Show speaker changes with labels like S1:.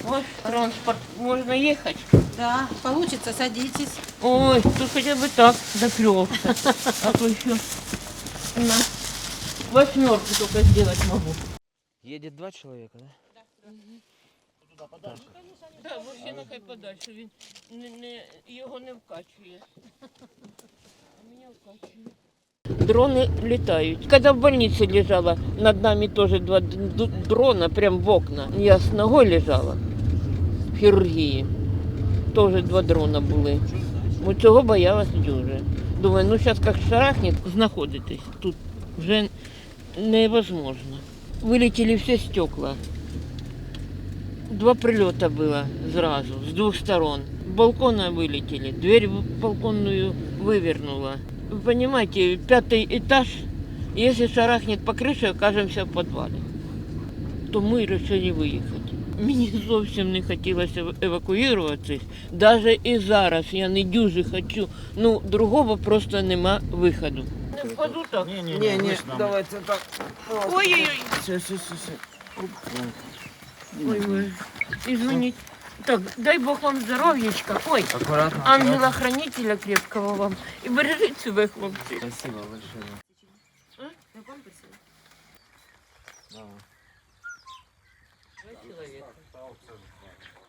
S1: Ваш транспорт, можно ехать?
S2: Да, получится, садитесь.
S1: Ой, тут хотя бы так доплелся. А то еще на восьмерку только сделать могу.
S3: Едет два человека, да?
S1: Так, взагалі нехай подальше, він його не вкачує. А мене вкачує. Дроны летают. Когда в больнице лежала, над нами тоже два дрона, прям в окна. Я с ногой лежала в хірургії. Тоже два дрона були. От цього боялась дуже. Думаю, ну зараз як шарахне, знаходитись. Тут вже невозможно. Вилетіли всі стекла. Два прилета было сразу, с двух сторон. С балкона вылетели, дверь балконную вывернула. Вы понимаете, 5-й этаж, если шарахнет по крыше, окажемся в подвале. То ми вирішили виїхати. Мені зовсім не хотілося евакуюватися. Навіть і зараз я не дуже хочу. Ну, другого просто нема виходу. Не впаду так?
S3: Не, давайте так.
S1: Ой-ой-ой.
S3: Все.
S1: Ой, извините. Так, дай Бог вам здоров'ячка. Ой,
S3: Аккуратно.
S1: ангела-хранителя крепкого вам. І бережіть себе, хлопці.
S3: Спасибо большое. Да.
S1: Два человека.